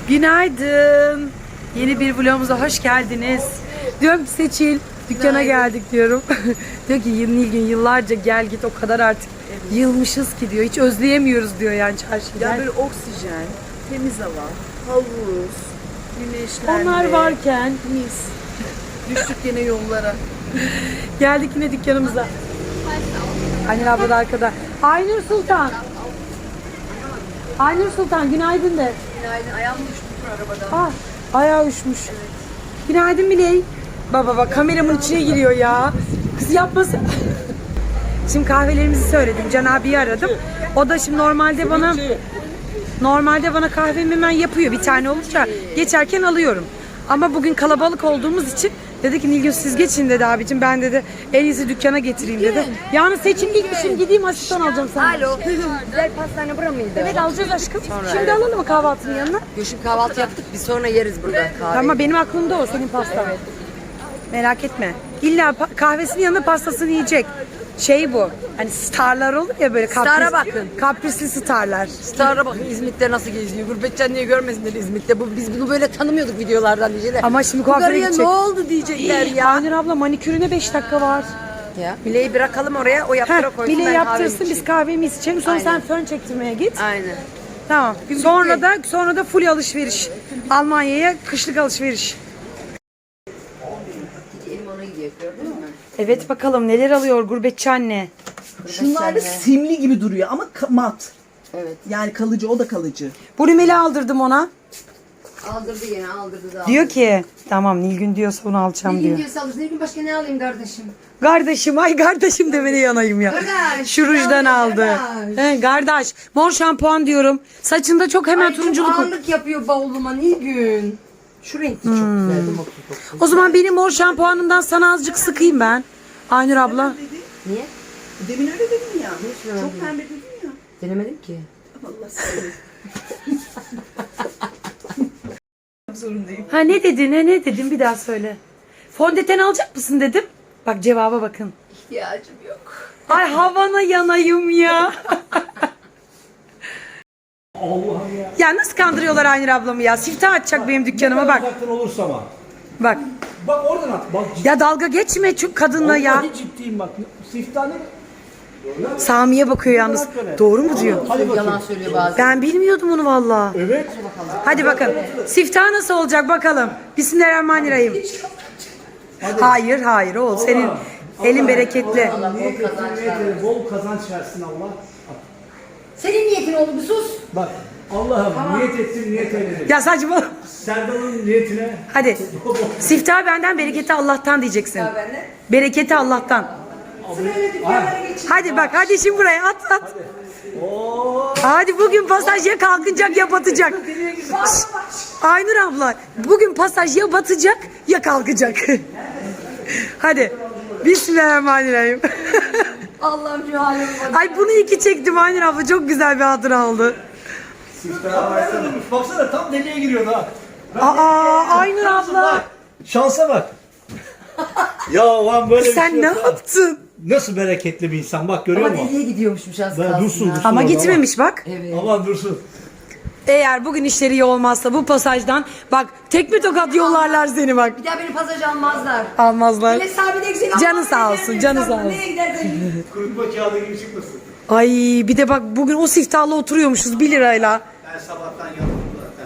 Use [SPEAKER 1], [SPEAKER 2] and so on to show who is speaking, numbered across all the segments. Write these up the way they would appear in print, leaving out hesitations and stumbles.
[SPEAKER 1] Günaydın. Yeni bir vlogumuza hoş geldiniz. Diyorum ki Seçil, dükkana geldik diyorum. Diyor ki Nilgün yıllarca gel git o kadar artık yılmışız ki diyor. Hiç özleyemiyoruz diyor yani çarşıyı.
[SPEAKER 2] Ya böyle oksijen, temiz hava, havuz, güneşlenme.
[SPEAKER 1] Onlar varken
[SPEAKER 2] mis. Düştük yine yollara.
[SPEAKER 1] geldik yine dükkanımıza. Aynur abla da arkada. Aynur Sultan. Aynur Sultan günaydın de.
[SPEAKER 2] Günaydın, ayağım düştü arabadan.
[SPEAKER 1] Ah, ayağı üşmüş. Günaydın Miley. Baba kameramın içine giriyor ya. Kız yapmasın. Şimdi kahvelerimizi söyledim. Can abiyi aradım. O da şimdi normalde bana kahvemi hemen yapıyor. Bir tane olunca geçerken alıyorum. Ama bugün kalabalık olduğumuz için dedi ki Nilgün siz geçin dedi abicim. Ben dedi en iyisi dükkana getireyim dedi. Yani Seçim gitmişim gideyim asistan alacağım sana.
[SPEAKER 3] Alo. Güzel pastane bura mıydı?
[SPEAKER 1] Evet alacağız aşkım. Şimdi alalım mı kahvaltının yanına?
[SPEAKER 3] Şimdi kahvaltı yaptık. Biz sonra yeriz burada kahve.
[SPEAKER 1] Tamam benim aklımda o senin pastan. Merak etme. İlla kahvesinin yanında pastasını yiyecek. Şey bu. Hani starlar olur ya böyle
[SPEAKER 3] Star'a bakın.
[SPEAKER 1] Kaprisli starlar.
[SPEAKER 3] Star'a bakın İzmit'te nasıl geziyor. Gurbetçen niye görmesinler İzmit'te. Biz bunu böyle tanımıyorduk videolardan diyecekler.
[SPEAKER 1] Ama şimdi
[SPEAKER 3] Bu
[SPEAKER 1] kuaföre
[SPEAKER 3] karıya
[SPEAKER 1] gidecek.
[SPEAKER 3] ne oldu diyecekler ya.
[SPEAKER 1] Aynur abla manikürüne 5 dakika var.
[SPEAKER 3] Ya. Mile'yi bırakalım oraya. O yaptıra koysun.
[SPEAKER 1] Mile
[SPEAKER 3] ben
[SPEAKER 1] yaptırsın
[SPEAKER 3] kahve
[SPEAKER 1] biz kahvemizi içelim. Sonra
[SPEAKER 3] Aynen.
[SPEAKER 1] sen fön çektirmeye git.
[SPEAKER 3] Aynen.
[SPEAKER 1] Tamam. Sonra da full alışveriş. Almanya'ya kışlık alışveriş.
[SPEAKER 3] Elim ona gidiyor gördün mü?
[SPEAKER 1] Evet bakalım neler alıyor gurbetçi anne.
[SPEAKER 2] Şunlar da simli gibi duruyor ama mat.
[SPEAKER 3] Evet.
[SPEAKER 2] Yani kalıcı, o da kalıcı.
[SPEAKER 1] Bu rimeli aldırdım ona.
[SPEAKER 3] Aldırdı yine aldırdı da.
[SPEAKER 1] Diyor ki tamam Nilgün diyorsa bunu alacağım diyor.
[SPEAKER 3] Ne diyorsa alırsın. Ne gün başka ne alayım kardeşim?
[SPEAKER 1] Kardeşim demene yanayım ya.
[SPEAKER 3] Kardeş,
[SPEAKER 1] Şu rujdan
[SPEAKER 3] kardeş,
[SPEAKER 1] aldı.
[SPEAKER 3] kardeş.
[SPEAKER 1] He, kardeş. Mor şampuan diyorum. Saçında çok hemen
[SPEAKER 3] Ay,
[SPEAKER 1] turunculuk.
[SPEAKER 3] çok ağırlık yapıyor bavuluma Nilgün. Şu renkli çok güzel.
[SPEAKER 1] O zaman benim mor şampuanımdan sana azıcık sıkayım ben. Aynur abla.
[SPEAKER 3] Niye?
[SPEAKER 2] Demin öyle dedim ya.
[SPEAKER 3] öyle
[SPEAKER 2] Çok
[SPEAKER 3] dedim?
[SPEAKER 2] pembe dedim ya.
[SPEAKER 3] Denemedim ki.
[SPEAKER 2] Allah seni. Zorundayım.
[SPEAKER 1] Ha ne dedin bir daha söyle. Fondöten alacak mısın dedim. Bak cevaba bakın.
[SPEAKER 3] İhtiyacım yok.
[SPEAKER 1] Ay havana yanayım ya.
[SPEAKER 4] Allah'ım ya.
[SPEAKER 1] Ya nasıl kandırıyorlar Aynur ablamı ya. Siftah açacak benim dükkanıma bak.
[SPEAKER 4] Uzaktan olursa ama.
[SPEAKER 1] Bak.
[SPEAKER 4] Bak oradan at. Bak
[SPEAKER 1] Ya dalga geçme şu kadınla ya.
[SPEAKER 4] Vallahi ciddiyim bak. Siftahı
[SPEAKER 1] Sami'ye bakıyor yalnız. Doğru mu diyor?
[SPEAKER 4] hadi bakayım.
[SPEAKER 3] Yalan söylüyor bazen.
[SPEAKER 1] Ben bilmiyordum onu valla.
[SPEAKER 4] Evet.
[SPEAKER 1] Hadi bakın. Siftah nasıl olacak bakalım. Bismillahirrahmanirrahim. Hayır oğul. Senin elin bereketli.
[SPEAKER 4] Bol kazanç versin Allah.
[SPEAKER 3] Senin niyetin oldu bir sus.
[SPEAKER 4] Bak Allah'ım niyet ettim niyet eyledim.
[SPEAKER 1] Ya saçma.
[SPEAKER 4] Serdal'ın niyetine
[SPEAKER 1] Hadi. Siftah benden, bereketi Allah'tan diyeceksin.
[SPEAKER 3] Bende.
[SPEAKER 1] Bereketi Allah'tan. Hadi bak, hadi şimdi buraya at. Hadi bugün pasaj ya kalkacak ya batacak. Aynur abla, bugün pasaj ya batacak ya kalkacak. Hadi. Bismillahirrahmanirrahim.
[SPEAKER 3] Allah'ım şu halime bak.
[SPEAKER 1] Ay bunu iki çektim Aynur abla, çok güzel bir hatıra oldu.
[SPEAKER 4] Baksana tam deliğe giriyordu ha.
[SPEAKER 1] Aynur abla.
[SPEAKER 4] Şansa bak. Ya lan böyle
[SPEAKER 1] Sen
[SPEAKER 4] bir
[SPEAKER 1] ne
[SPEAKER 4] şey yok.
[SPEAKER 1] yaptın?
[SPEAKER 4] Nasıl bereketli bir insan bak görüyor
[SPEAKER 3] Ama
[SPEAKER 4] musun?
[SPEAKER 3] deliye gidiyormuşmuş az
[SPEAKER 4] Ben
[SPEAKER 3] kalsın.
[SPEAKER 4] dursun.
[SPEAKER 1] Ama
[SPEAKER 4] orada,
[SPEAKER 1] gitmemiş bak.
[SPEAKER 3] Evet.
[SPEAKER 4] Aman dursun.
[SPEAKER 1] Eğer bugün işleri iyi olmazsa bu pasajdan bak tekme tokat yollarlar seni bak.
[SPEAKER 3] Bir daha beni pasaj almazlar.
[SPEAKER 1] Almazlar.
[SPEAKER 3] Bile sabit eksik.
[SPEAKER 1] Canı sağ olsun, canı sağ olsun.
[SPEAKER 3] Nereye gidersin?
[SPEAKER 4] Kurutma kağıdı gibi çıkmasın.
[SPEAKER 1] Ay bir de bak bugün o siftahla oturuyormuşuz 1 lirayla.
[SPEAKER 4] Ben sabahtan yandım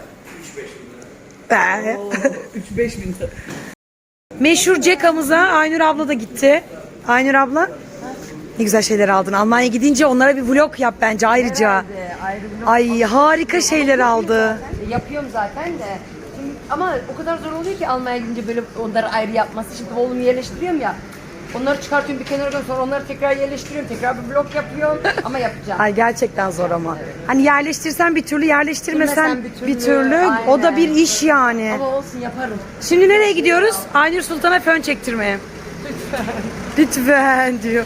[SPEAKER 4] zaten. 3-5 bin lira.
[SPEAKER 2] 3-5 bin lira.
[SPEAKER 1] Meşhur Cekam'ıza Aynur abla da gitti. Aynur abla ne güzel şeyler aldın. Almanya gidince onlara bir vlog yap bence ayrıca.
[SPEAKER 3] Ayrı bir
[SPEAKER 1] Ay harika şeyler aldı.
[SPEAKER 3] Yapıyorum zaten de. Şimdi, ama o kadar zor oluyor ki Almanya gidince böyle onları ayrı yapması. Şimdi oğlumu yerleştiriyorum ya. Onları çıkartıyorum bir kenara koyuyorum, sonra onları tekrar yerleştiriyorum. Tekrar bir blok yapıyorum ama yapacağım.
[SPEAKER 1] Ay gerçekten zor ama. Hani yerleştirsen bir türlü, yerleştirmesen
[SPEAKER 3] Bilmesen
[SPEAKER 1] bir türlü. O da bir iş yani.
[SPEAKER 3] Ama olsun yaparım.
[SPEAKER 1] Şimdi nereye gidiyoruz? Aynur Sultan'a fön çektirmeye. Lütfen diyor.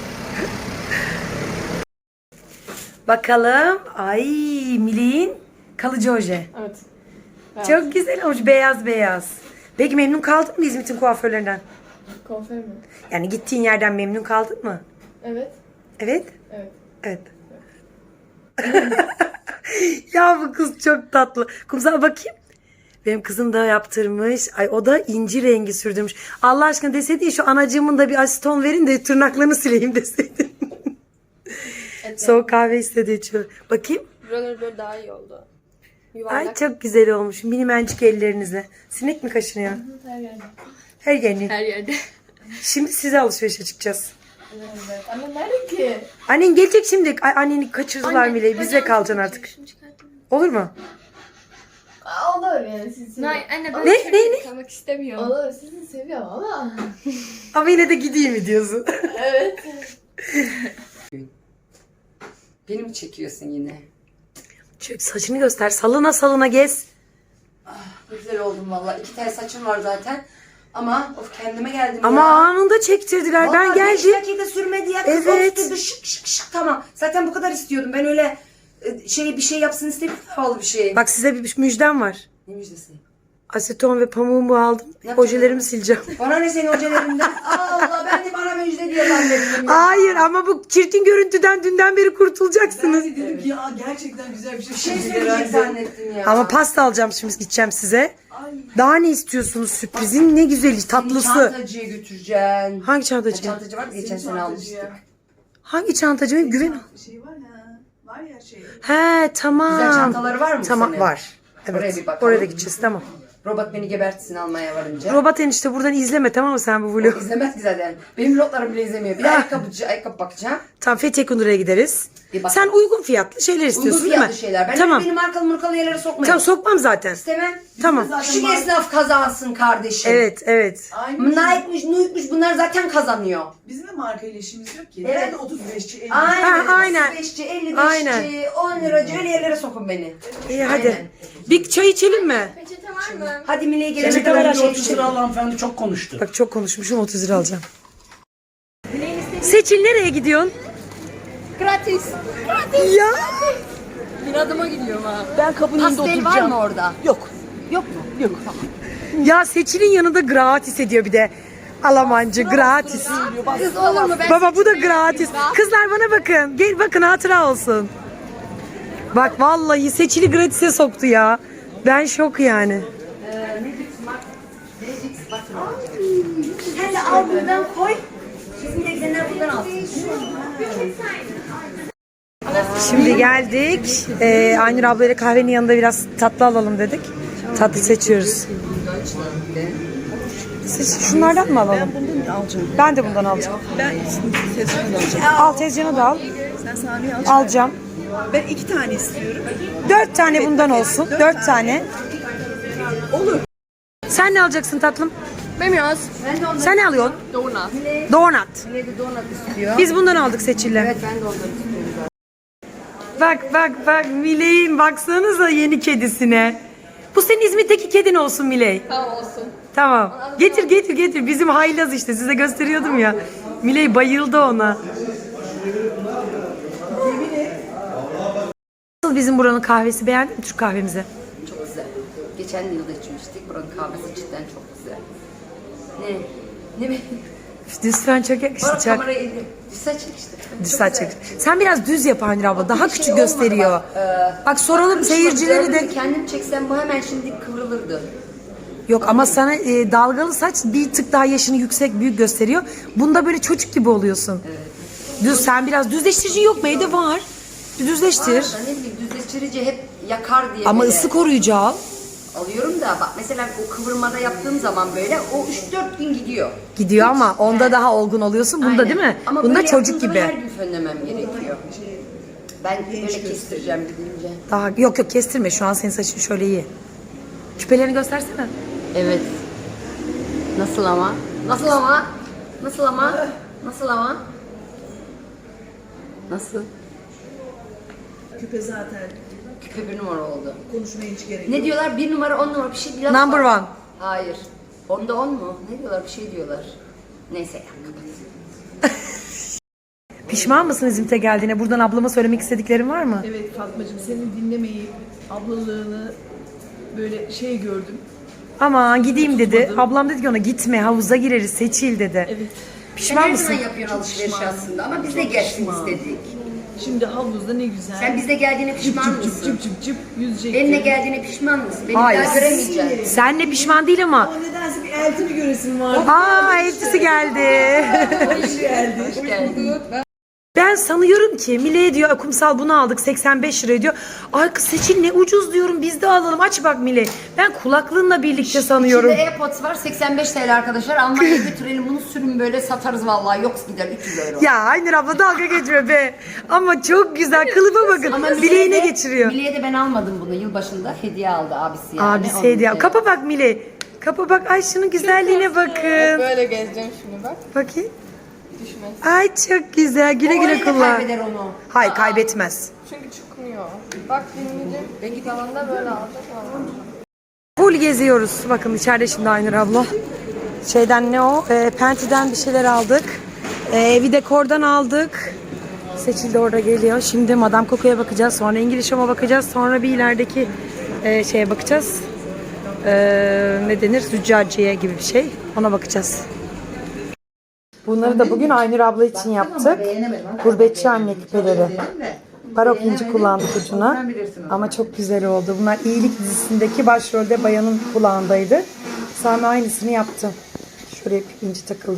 [SPEAKER 1] Bakalım. Ay Milin kalıcı oje.
[SPEAKER 5] Evet.
[SPEAKER 1] Çok güzel olmuş. Beyaz beyaz. Peki memnun kaldın mı İzmit'in kuaförlerinden?
[SPEAKER 5] Kuaför mü?
[SPEAKER 1] Yani gittiğin yerden memnun kaldın mı?
[SPEAKER 5] Evet.
[SPEAKER 1] Evet.
[SPEAKER 5] Evet.
[SPEAKER 1] Evet. Ya bu kız çok tatlı. Kumsal bakayım. Benim kızım da yaptırmış. Ay o da inci rengi sürdürmüş. Allah aşkına deseydin şu anacığımın da bir asiton verin de tırnaklarını sileyim deseydin. Soğuk kahve istedi içiyor. Bakayım.
[SPEAKER 5] Buraları böyle daha iyi oldu.
[SPEAKER 1] Ay
[SPEAKER 5] Yuvarlak.
[SPEAKER 1] çok güzel olmuş. Minimencik ellerinizle. Sinek mi kaşınıyor?
[SPEAKER 5] Her yerde.
[SPEAKER 1] Her yeni.
[SPEAKER 5] Her yerde.
[SPEAKER 1] Şimdi size alışverişe çıkacağız.
[SPEAKER 5] Evet. Ama nerede ki?
[SPEAKER 1] Annen gelecek şimdi. Ay, anneni kaçırdılar Mile'yi. Bizle kalacaksın artık.
[SPEAKER 5] Şunu çıkartayım.
[SPEAKER 1] Olur mu?
[SPEAKER 5] Olur yani sizi.
[SPEAKER 2] Hayır anne ben
[SPEAKER 1] Ne?
[SPEAKER 2] kalmak istemiyorum.
[SPEAKER 5] Olur sizi seviyorum ama.
[SPEAKER 1] Ama yine de gideyim mi diyorsun?
[SPEAKER 5] Evet.
[SPEAKER 3] Beni mi çekiyorsun yine?
[SPEAKER 1] Şöyle saçını göster. Salına salına gez.
[SPEAKER 3] Güzel oldum valla. 2 tel saçım var zaten. Ama of kendime geldim
[SPEAKER 1] Ama
[SPEAKER 3] ya.
[SPEAKER 1] anında çektirdiler. Ben
[SPEAKER 3] Vallahi 5
[SPEAKER 1] geldim.
[SPEAKER 3] dakika sürmedi ya. Kız
[SPEAKER 1] Evet.
[SPEAKER 3] evet. Şık şık şık tamam. Zaten bu kadar istiyordum. Ben öyle bir şey yapsın istemiyorum. Havalı bir şey.
[SPEAKER 1] Bak size bir müjdem var.
[SPEAKER 3] Ne müjdesi?
[SPEAKER 1] Aseton ve pamuğumu aldım.
[SPEAKER 3] yapacağız?
[SPEAKER 1] Ojelerimi sileceğim.
[SPEAKER 3] Bana ne senin hocalarından? Allah ben de bana müjde diye zannettim ya.
[SPEAKER 1] Hayır ama bu çirkin görüntüden dünden beri kurtulacaksınız.
[SPEAKER 6] Ben de dedim ki ya gerçekten güzel bir şey
[SPEAKER 3] Bir şey
[SPEAKER 6] söyledi
[SPEAKER 3] söyleyecek
[SPEAKER 6] herhalde.
[SPEAKER 3] zannettim ya.
[SPEAKER 1] Ama pasta alacağım şimdi gideceğim size. Daha ne istiyorsunuz sürprizin ne güzeli tatlısı.
[SPEAKER 3] Çantacıya götüreceksin.
[SPEAKER 1] Hangi çantacı?
[SPEAKER 3] Çantacı var geçen sene almıştık.
[SPEAKER 1] Hangi çantacı? Güven.
[SPEAKER 6] Şey var ya. Var ya şey.
[SPEAKER 1] He tamam.
[SPEAKER 3] Güzel çantaları var mı
[SPEAKER 1] Tamam
[SPEAKER 3] senin?
[SPEAKER 1] var.
[SPEAKER 3] Oraya
[SPEAKER 1] Evet.
[SPEAKER 3] bir bakalım.
[SPEAKER 1] Oraya da gideceğiz tamam.
[SPEAKER 3] Robot beni gebertsin almaya varınca.
[SPEAKER 1] Robot enişte buradan izleme tamam mı sen bu vlogu?
[SPEAKER 3] İzlemez ki zaten. Benim lotlarım bile izlemiyor. Bir de ayakkabı bakacağım.
[SPEAKER 1] Tamam Fethiye Kundura'ya gideriz.
[SPEAKER 3] Bir bak.
[SPEAKER 1] Sen uygun fiyatlı şeyler istiyorsun
[SPEAKER 3] Uygun
[SPEAKER 1] değil mi?
[SPEAKER 3] fiyatlı şeyler. Ben
[SPEAKER 1] tamam.
[SPEAKER 3] öyle benim markalı murkalı yerlere sokmayın.
[SPEAKER 1] Tamam sokmam zaten.
[SPEAKER 3] İstemem.
[SPEAKER 1] Tamam.
[SPEAKER 3] Küçük esnaf kazansın kardeşim.
[SPEAKER 1] Evet evet.
[SPEAKER 6] Aynı.
[SPEAKER 3] Nike'mış, Nuke'muş bunlar zaten kazanıyor.
[SPEAKER 6] Bizim de markayla işimiz yok ki.
[SPEAKER 3] Evet.
[SPEAKER 6] Nerede 35'çi 50'ci.
[SPEAKER 3] Aynen.
[SPEAKER 1] Ha, aynen.
[SPEAKER 3] 35'ci, 55'ci,
[SPEAKER 1] Aynen.
[SPEAKER 3] 10 liracı öyle yerlere sokun beni.
[SPEAKER 1] İyi hadi.
[SPEAKER 3] Aynen.
[SPEAKER 1] Bir çay içelim mi?
[SPEAKER 5] Peçete var mı?
[SPEAKER 3] Hadi Mine'ye gelene
[SPEAKER 1] Çocuk
[SPEAKER 3] kadar
[SPEAKER 1] kadar
[SPEAKER 3] şey
[SPEAKER 4] 30 lira al hanımefendi çok konuştu.
[SPEAKER 1] Bak çok konuşmuşum 30 lira alacağım. Seçil nereye gidiyorsun?
[SPEAKER 2] Gratis.
[SPEAKER 1] Ya.
[SPEAKER 2] Bir adıma gidiyorum ha.
[SPEAKER 6] Ben kapının önünde
[SPEAKER 3] Pastel var
[SPEAKER 6] oturacağım.
[SPEAKER 3] mı orada?
[SPEAKER 6] Yok.
[SPEAKER 3] Yok mu?
[SPEAKER 6] Yok.
[SPEAKER 1] Ya Seçil'in yanında gratis ediyor bir de. Almancı gratis.
[SPEAKER 3] Kız olur mu? Ben
[SPEAKER 1] Baba bu da gratis. Kızlar bana bakın. Gel bakın hatıra olsun. Bak vallahi Seçil'i gratis'e soktu ya. Ben şok yani.
[SPEAKER 3] Sen de al buradan koy. Bizim de gidenler buradan alsın.
[SPEAKER 1] Şimdi geldik. Aynur ablayla kahvenin yanında biraz tatlı alalım dedik. Tatlı seçiyoruz. Şunlardan mı alalım?
[SPEAKER 6] Bundan alacağım.
[SPEAKER 1] Ben de bundan alacağım.
[SPEAKER 6] Ben tezgahını alacağım.
[SPEAKER 1] Al tezcanı da al.
[SPEAKER 6] Sen saniye alacaksın.
[SPEAKER 1] Alacağım.
[SPEAKER 6] Ben 2 tane istiyorum.
[SPEAKER 1] 4 tane bundan olsun. 4 tane.
[SPEAKER 6] Olur.
[SPEAKER 1] Sen ne alacaksın tatlım?
[SPEAKER 2] Bilmiyoruz.
[SPEAKER 1] Sen ne alıyorsun?
[SPEAKER 2] Donut.
[SPEAKER 1] Donut.
[SPEAKER 3] Mine de donat istiyor.
[SPEAKER 1] Biz bundan aldık Seçil'le.
[SPEAKER 3] Evet ben de onları istiyorum.
[SPEAKER 1] Bak Miley'in baksanıza yeni kedisine. Bu senin İzmit'teki kedin olsun Miley.
[SPEAKER 2] Tamam olsun.
[SPEAKER 1] Tamam. Getir. Bizim haylaz işte. Size gösteriyordum ya. Miley bayıldı ona. Nasıl bizim buranın kahvesi beğendin mi Türk kahvemizi?
[SPEAKER 3] Çok güzel. Geçen yılda içmiştik. Buranın kahvesi cidden çok güzel. Ne?
[SPEAKER 1] Lütfen çok yakıştı.
[SPEAKER 3] Bana
[SPEAKER 1] Çok.
[SPEAKER 3] kamerayı elli. Düz işte.
[SPEAKER 1] Düz saç çek. Sen biraz düz yap Aynur abla. Daha küçük gösteriyor. Bak soralım seyircileri de.
[SPEAKER 3] Kendim çeksem bu hemen şimdi kıvrılırdı.
[SPEAKER 1] Yok ama sana dalgalı saç bir tık daha yaşını büyük gösteriyor. Bunda böyle çocuk gibi oluyorsun. Düz sen biraz düzleştirici yok mu? Evde var. Düzleştir.
[SPEAKER 3] Var da ne bileyim düzleştirici hep yakar diye
[SPEAKER 1] Ama
[SPEAKER 3] böyle
[SPEAKER 1] ısı koruyucu al.
[SPEAKER 3] alıyorum da bak mesela o kıvırmada yaptığım zaman böyle o 3-4 gün gidiyor.
[SPEAKER 1] Gidiyor ama onda daha olgun oluyorsun. Bunda
[SPEAKER 3] Aynen.
[SPEAKER 1] değil mi?
[SPEAKER 3] Ama
[SPEAKER 1] Bunda
[SPEAKER 3] böyle
[SPEAKER 1] çocuk
[SPEAKER 3] yaptığım zaman
[SPEAKER 1] gibi.
[SPEAKER 3] her gün fönlemem gerekiyor. Ben böyle kestireceğim gidince.
[SPEAKER 1] Daha yok kestirme. Şu an senin saçın şöyle iyi. Küpelerini göstersene.
[SPEAKER 3] Evet. Nasıl ama? Nasıl ama? Nasıl ama? Nasıl ama? Nasıl?
[SPEAKER 6] Küpe zaten
[SPEAKER 3] Küpe bir numara oldu.
[SPEAKER 6] konuşmaya hiç gerek yok.
[SPEAKER 3] Ne diyorlar? 1 numara 10 numara bir şey biraz
[SPEAKER 1] Number
[SPEAKER 3] var.
[SPEAKER 1] one.
[SPEAKER 3] Hayır. Onda 10 mu? Ne diyorlar? Bir şey diyorlar. Neyse ya kapat.
[SPEAKER 1] Pişman mısın İzmit'e geldiğine? Buradan ablama söylemek istediklerin var mı?
[SPEAKER 6] Evet Fatmacığım seni dinlemeyip ablalığını böyle şey gördüm.
[SPEAKER 1] Aman gideyim dedi. Ablam dedi ki ona gitme havuza gireriz Seçil dedi.
[SPEAKER 6] Evet.
[SPEAKER 1] Pişman
[SPEAKER 3] Sen her
[SPEAKER 1] mısın?
[SPEAKER 3] zaman yapıyorsun alışveriş aslında ama biz de gelsin istedik.
[SPEAKER 6] Şimdi havuzda ne güzel.
[SPEAKER 3] Sen bize geldiğine pişman
[SPEAKER 6] cıp
[SPEAKER 3] mısın?
[SPEAKER 6] cıp cıp cıp yüzecektim.
[SPEAKER 3] Benimle geldiğine pişman mısın? Beni
[SPEAKER 1] Hayır.
[SPEAKER 3] daha göremeyeceksin.
[SPEAKER 1] Senle pişman değil ama.
[SPEAKER 6] Ama nedense bir eltimi göresim vardı.
[SPEAKER 1] Aa eltisi geldi.
[SPEAKER 6] Hoş geldi.
[SPEAKER 1] Ben sanıyorum ki Mile'ye diyor kumsal bunu aldık 85 lira diyor. Ay kız Seçil ne ucuz diyorum biz de alalım aç bak Mile. Ben kulaklığınla birlikte sanıyorum.
[SPEAKER 3] İçinde AirPods var 85 TL arkadaşlar. Almanya'ya götürelim bunu sürün böyle satarız vallahi. Yok gider 300 euro.
[SPEAKER 1] Ya Aynur abla dalga geçme be. Ama çok güzel kılıfa bakın. Bileğine geçiriyor.
[SPEAKER 3] Mile'ye de ben almadım bunu. Yılbaşında hediye aldı abisi yani.
[SPEAKER 1] Abisi
[SPEAKER 3] Onun
[SPEAKER 1] hediye.
[SPEAKER 3] için.
[SPEAKER 1] Kapa bak Mile. Kapa bak ay şunun güzelliğine bakın.
[SPEAKER 5] Böyle gezeceğim şimdi bak.
[SPEAKER 1] Bakayım.
[SPEAKER 5] Düşmez.
[SPEAKER 1] Ay çok güzel güle
[SPEAKER 3] O
[SPEAKER 1] güle
[SPEAKER 3] öyle de
[SPEAKER 1] kullan.
[SPEAKER 3] kaybeder onu.
[SPEAKER 1] Hayır kaybetmez.
[SPEAKER 5] Çünkü çıkmıyor. Bak dinleyeceğim. Ben git alanda böyle alacak ama.
[SPEAKER 1] Full geziyoruz. Bakın içeride şimdi Aynur abla. Şeyden ne o? Penti'den bir şeyler aldık. Evi dekordan aldık. Seçil de orada geliyor. Şimdi Madame Coco'ya bakacağız. Sonra İngiliz Home'a bakacağız. Sonra bir ilerideki şeye bakacağız. Ne denir? Züccaciye gibi bir şey. Ona bakacağız. Bunları da bugün Aynur abla için yaptık. Gurbetçi anne küpeleri. Barok inci kullandık ucuna. Ama çok güzel oldu. Bunlar İyilik dizisindeki başrolde bayanın kulağındaydı. Sami aynısını yaptı. Şuraya bir inci takıldı.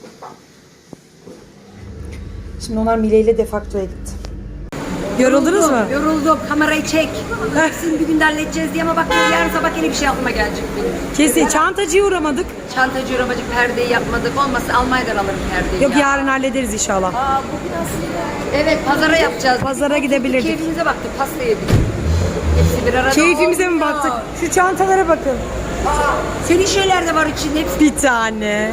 [SPEAKER 1] Şimdi onlar Mile ile defaktoya gitti. Yoruldunuz mu?
[SPEAKER 3] Yoruldum. Kamerayı çek. Hepsini bir günde halledeceğiz diye ama bak yarın sabah yine bir şey aklıma gelecek benim.
[SPEAKER 1] Kesin çantacıya uğramadık.
[SPEAKER 3] Çantacı uğramacık perdeyi yapmadık. Olmazsa Almanya'dan alırım perdeyi.
[SPEAKER 1] Yok
[SPEAKER 3] ya.
[SPEAKER 1] yarın hallederiz inşallah.
[SPEAKER 3] Evet pazara yapacağız.
[SPEAKER 1] Pazara gidebilirdik.
[SPEAKER 3] Keyfimize baktık. Pasta yedik. Hepsi bir arada
[SPEAKER 1] Keyfimize mi
[SPEAKER 3] olmuyor.
[SPEAKER 1] baktık? Şu çantalara bakın.
[SPEAKER 3] Senin şeyler de var içinde. Hepsi
[SPEAKER 1] Bir tane.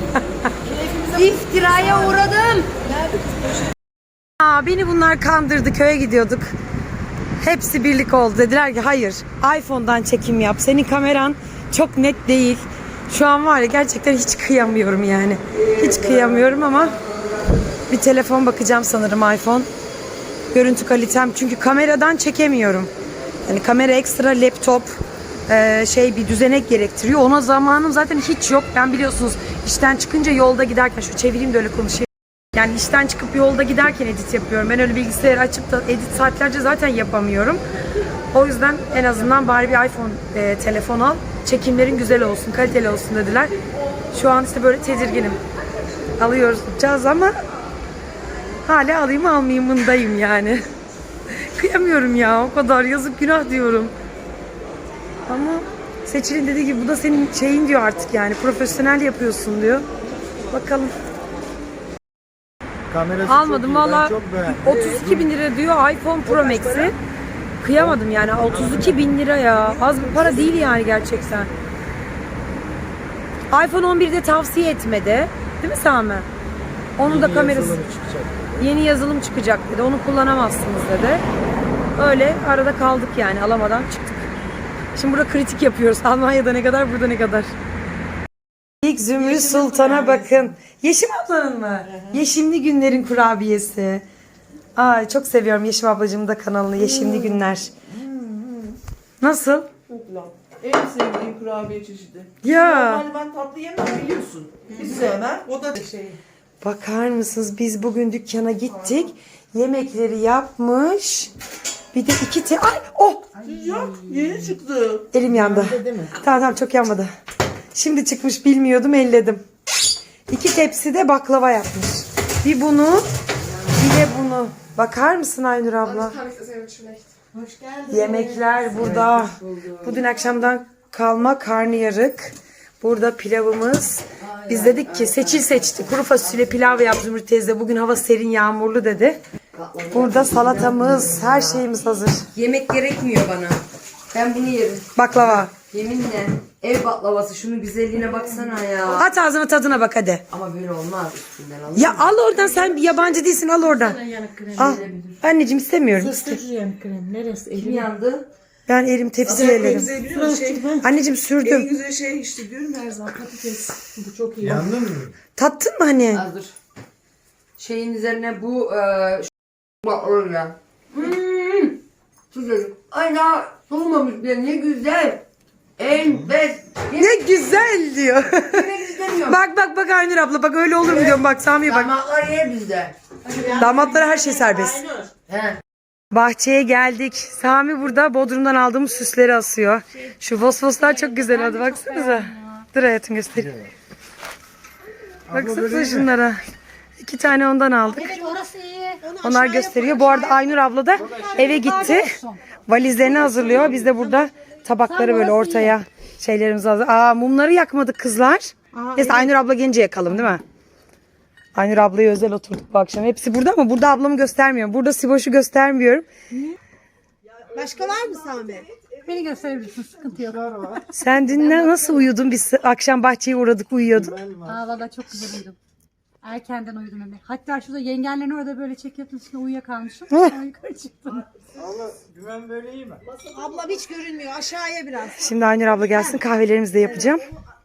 [SPEAKER 3] iftiraya uğradım.
[SPEAKER 1] Aa, beni bunlar kandırdı. Köye gidiyorduk. Hepsi birlik oldu. Dediler ki hayır. iPhone'dan çekim yap. Senin kameran çok net değil. Şu an var ya gerçekten hiç kıyamıyorum yani. Hiç kıyamıyorum ama bir telefon bakacağım sanırım iPhone. Görüntü kalitem çünkü kameradan çekemiyorum. Yani kamera ekstra laptop bir düzenek gerektiriyor. Ona zamanım zaten hiç yok. Ben biliyorsunuz işten çıkınca yolda giderken şu çevireyim de öyle konuşayım. Yani işten çıkıp yolda giderken edit yapıyorum. Ben öyle bilgisayarı açıp da edit saatlerce zaten yapamıyorum. O yüzden en azından bari bir iPhone telefon al. Çekimlerin güzel olsun, kaliteli olsun dediler. Şu an işte böyle tedirginim. Alıyoruz ama hala alayım almayayımındayım yani. Kıyamıyorum ya o kadar yazık günah diyorum. Ama Seçil'in dediği gibi bu da senin şeyin diyor artık yani profesyonel yapıyorsun diyor. Bakalım.
[SPEAKER 4] Kamerası
[SPEAKER 1] Almadım
[SPEAKER 4] çok iyi, ben
[SPEAKER 1] valla
[SPEAKER 4] çok beğendim.
[SPEAKER 1] 32 bin lira diyor iPhone Pro Max'i. Kıyamadım yani 32 bin lira ya. Az bir para değil yani gerçekten. iPhone 11'de tavsiye etmedi. Değil mi Sami? Onu da kamerası
[SPEAKER 4] Yazılımı çıkacak.
[SPEAKER 1] yeni yazılım çıkacak dedi. Onu kullanamazsınız dedi. Öyle arada kaldık yani alamadan çıktık. Şimdi burada kritik yapıyoruz. Almanya'da ne kadar burada ne kadar. İlk Zümrüt Sultan'a bakın. Yeşim ablanın mı? Yeşimli Günler'in kurabiyesi. Ay çok seviyorum Yeşim ablacığımın da kanalını. Yeşimli Günler. Nasıl?
[SPEAKER 6] En sevdiğim kurabiye çeşidi.
[SPEAKER 1] Ya.
[SPEAKER 6] Normalde ben tatlı yemem biliyorsun. Hiç sevmem. O da şey.
[SPEAKER 1] Bakar mısınız biz bugün dükkana gittik. Yemekleri yapmış. Bir de ay oh
[SPEAKER 6] Yok yeni çıktı.
[SPEAKER 1] elim yandı. Tamam çok yanmadı. Şimdi çıkmış bilmiyordum elledim. 2 tepsi de baklava yapmış. Bir bunu bir de bunu. Bakar mısın Aynur abla?
[SPEAKER 6] Hoş geldin.
[SPEAKER 1] Yemekler burada. Bu dün akşamdan kalma karnıyarık. Burada pilavımız. Biz dedik ki Seçil seçti. Kuru fasulye pilav yaptı Zümrüt teyze. Bugün hava serin yağmurlu dedi. Burada salatamız, her şeyimiz hazır.
[SPEAKER 3] Yemek gerekmiyor bana. Ben bunu yerim.
[SPEAKER 1] Baklava.
[SPEAKER 3] Yeminle. Ev baklavası şunun güzelliğine baksana ya.
[SPEAKER 1] At ağzına tadına bak hadi.
[SPEAKER 3] Ama böyle olmaz üstünden alın.
[SPEAKER 1] Ya al oradan sen bir yabancı değilsin al oradan. Al. Anneciğim istemiyorum.
[SPEAKER 3] Kim yandı?
[SPEAKER 1] Ben elim tepsiye ellerim.
[SPEAKER 6] Biliyor musun?
[SPEAKER 1] Anneciğim sürdüm.
[SPEAKER 6] En güzel şey işte diyorum her zaman patates. Bu çok iyi.
[SPEAKER 4] Yandın mı?
[SPEAKER 1] Tattın mı hani?
[SPEAKER 3] Az dur. Şeyin üzerine bu bak öyle. Güzel. Ay daha soğumamış bile ne güzel. Enfes.
[SPEAKER 1] Ne güzel diyor.
[SPEAKER 3] Yemek
[SPEAKER 1] Bak Aynur abla bak öyle olur mu diyorum bak Sami'ye bak.
[SPEAKER 3] Damatlar yer bizde.
[SPEAKER 1] Damatlara her şey serbest.
[SPEAKER 3] He.
[SPEAKER 1] Bahçeye geldik. Sami burada Bodrum'dan aldığımız süsleri asıyor. Şu fosfoslar çok güzel hadi baksanıza. Dur hayatım göstereyim. Baksanıza şunlara. 2 tane ondan aldık. Onlar gösteriyor. Bu arada Aynur abla da eve gitti. Valizlerini hazırlıyor. Biz de burada tabakları böyle ortaya şeylerimizi hazır. Mumları yakmadık kızlar. Neyse Aynur abla gelince yakalım değil mi? Aynur ablayı özel oturduk bu akşam. Hepsi burada ama burada ablamı göstermiyorum. Burada Siboş'u göstermiyorum.
[SPEAKER 6] Başka var mı Sami?
[SPEAKER 5] Beni gösterebilirsin, sıkıntı yok.
[SPEAKER 1] Sen dün nasıl uyudun? Biz akşam bahçeye uğradık uyuyordun.
[SPEAKER 5] Valla çok güzel uyudum. Erkenden uyudum hem de. Hatta şurada yengenlerin orada böyle çekiyordun üstüne uyuyakalmışım. Sonra yukarı çıktım.
[SPEAKER 6] Ablam hiç görünmüyor. Aşağıya biraz.
[SPEAKER 1] Şimdi Aynur abla gelsin kahvelerimizi de yapacağım.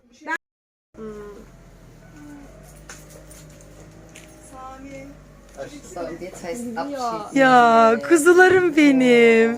[SPEAKER 3] So, und jetzt heißt Abschied.
[SPEAKER 1] Ya kuzularım benim.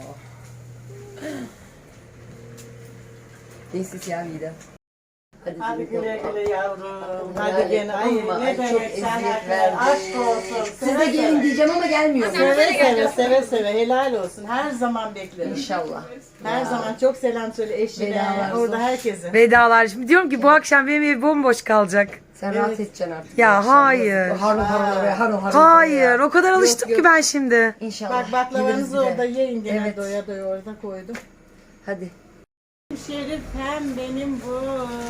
[SPEAKER 3] Nächstes Jahr wieder.
[SPEAKER 7] Hadi güle güle yavrum. Hadi
[SPEAKER 3] Hadi
[SPEAKER 7] gene. Ay
[SPEAKER 3] ama
[SPEAKER 7] ne
[SPEAKER 3] çok
[SPEAKER 7] demek sen
[SPEAKER 3] eziyet verdi.
[SPEAKER 7] aşk olsun.
[SPEAKER 3] Siz de gelin diyeceğim ama gelmiyor.
[SPEAKER 7] Seve seve helal olsun. Her zaman beklerim.
[SPEAKER 3] İnşallah.
[SPEAKER 7] Her zaman çok selam söyle eşine.
[SPEAKER 3] Vedalar
[SPEAKER 7] Orada
[SPEAKER 3] olsun.
[SPEAKER 7] herkese.
[SPEAKER 1] Vedalar. Şimdi diyorum ki bu akşam benim ev bomboş kalacak.
[SPEAKER 3] Sen rahat edeceksin artık.
[SPEAKER 1] Ya hayır.
[SPEAKER 3] Harun oraya, harun.
[SPEAKER 1] Hayır. O kadar alıştım ki ben şimdi.
[SPEAKER 3] İnşallah.
[SPEAKER 7] Bak baklavanızı
[SPEAKER 3] Gideriz bir de.
[SPEAKER 7] orada yiyin gene
[SPEAKER 3] Evet.
[SPEAKER 7] doya doya orada koydum.
[SPEAKER 3] Hadi.
[SPEAKER 7] Şerifem benim bu.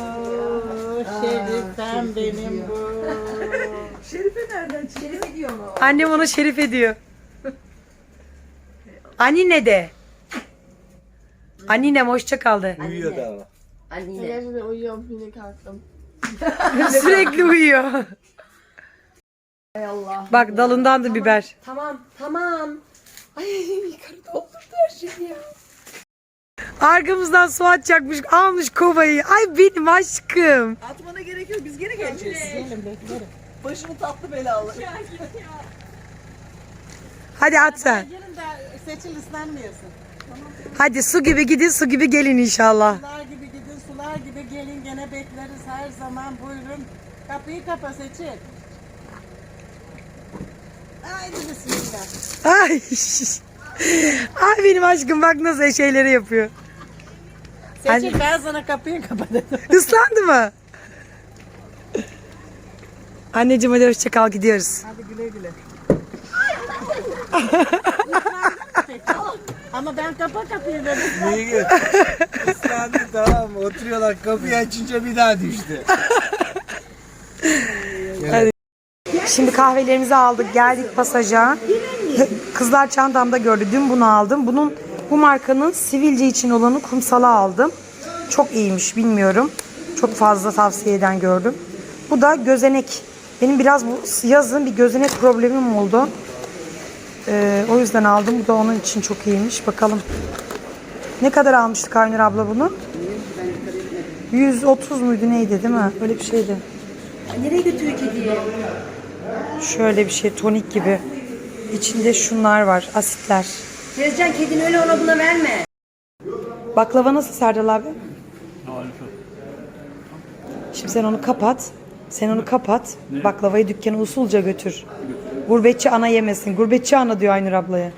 [SPEAKER 7] Şerifem benim bu.
[SPEAKER 1] Annem ona şerif ediyor. Annine de. Anninem hoşça kaldı.
[SPEAKER 4] Uyuyor da ama.
[SPEAKER 3] Annine.
[SPEAKER 5] Gerçekten uyuyorum, yine kalktım.
[SPEAKER 1] Sürekli uyuyor.
[SPEAKER 3] Hay Allah.
[SPEAKER 1] Bak dalından da biber.
[SPEAKER 3] Tamam. Ay yukarı doldurdu her şeyi ya.
[SPEAKER 1] Arkamızdan su atacakmış. Almış kovayı. Ay benim aşkım.
[SPEAKER 6] Atmana gerek yok. Biz gene geleceğiz. Gelin beklerim. Başımı tatlı belalı.
[SPEAKER 1] Hadi at sen.
[SPEAKER 7] Gelin de Seçil ıslanmıyorsun.
[SPEAKER 1] Hadi su gibi gidin su gibi gelin inşallah.
[SPEAKER 7] Sular gibi gidin sular gibi gelin gene bekleriz her zaman buyurun. Kapıyı kapa Seçil. Haydi bismillah.
[SPEAKER 1] Ay. Ay benim aşkım bak nasıl şeyleri yapıyor.
[SPEAKER 7] Seçil ben sana kapıyı kapa dedim.
[SPEAKER 1] Islandı mı? Anneciğim hadi hoşça kal gidiyoruz.
[SPEAKER 7] Hadi güle güle. Ama ben kapa kapıyı dedim.
[SPEAKER 4] İyi gün. Islandı tamam mı? Oturuyorlar kapıyı açınca bir daha düştü.
[SPEAKER 1] Şimdi kahvelerimizi aldık geldik pasaja. Kızlar çantamda gördü. Dün bunu aldım. Bu markanın sivilce için olanı kumsala aldım. Çok iyiymiş bilmiyorum. Çok fazla tavsiye eden gördüm. Bu da gözenek. Benim biraz bu yazın bir gözenek problemim oldu. O yüzden aldım. Bu da onun için çok iyiymiş. Bakalım. Ne kadar almıştık Aynur abla bunu? 130 muydu neydi değil mi? Öyle bir şeydi.
[SPEAKER 3] Nereye götürüyor kediyi?
[SPEAKER 1] Şöyle bir şey tonik gibi. İçinde şunlar var asitler.
[SPEAKER 3] Tezcan kedini öyle ona buna verme.
[SPEAKER 1] Baklava nasıl Serdal abi? Şimdi sen onu kapat. Sen onu kapat. Baklavayı dükkana usulca götür. Gurbetçi ana yemesin. Gurbetçi ana diyor Aynur ablaya.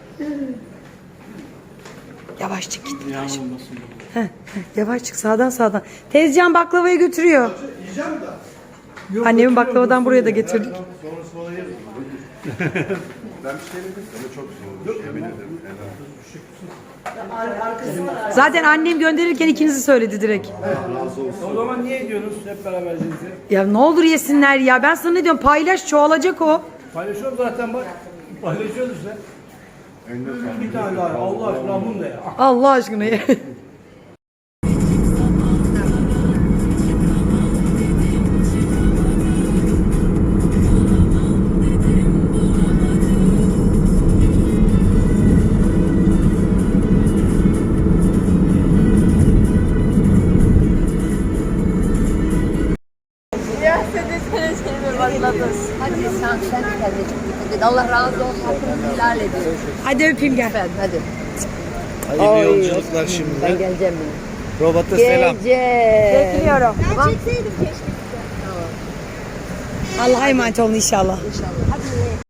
[SPEAKER 1] Yavaş çık git. Yavaş çık sağdan. Tezcan baklavayı götürüyor. Annemin baklavadan buraya da getirdik. Zaten annem gönderirken ikinizi söyledi direkt.
[SPEAKER 8] O zaman niye ediyorsunuz hep beraber cinsi?
[SPEAKER 1] Ya ne olur yesinler ya. Ben sana ne diyorum paylaş çoğalacak o.
[SPEAKER 8] Paylaşıyorum zaten bak. Paylaşıyoruz işte. Bir tane daha. Allah aşkına bunu da ya.
[SPEAKER 1] Allah aşkına ye.
[SPEAKER 3] Hadi sen de kendine çok dikkat et. Allah razı olsun. Hakkınızı helal edin.
[SPEAKER 1] Hadi öpeyim gel.
[SPEAKER 3] Efendim hadi.
[SPEAKER 4] Hayırlı yolculuklar
[SPEAKER 3] Ben
[SPEAKER 4] şimdi.
[SPEAKER 3] geleceğim yine.
[SPEAKER 4] Robota selam.
[SPEAKER 3] Geleceğim.
[SPEAKER 1] Bekliyorum.
[SPEAKER 6] Ben çekseydim keşke.
[SPEAKER 1] Allah'a emanet olun inşallah.
[SPEAKER 2] İnşallah.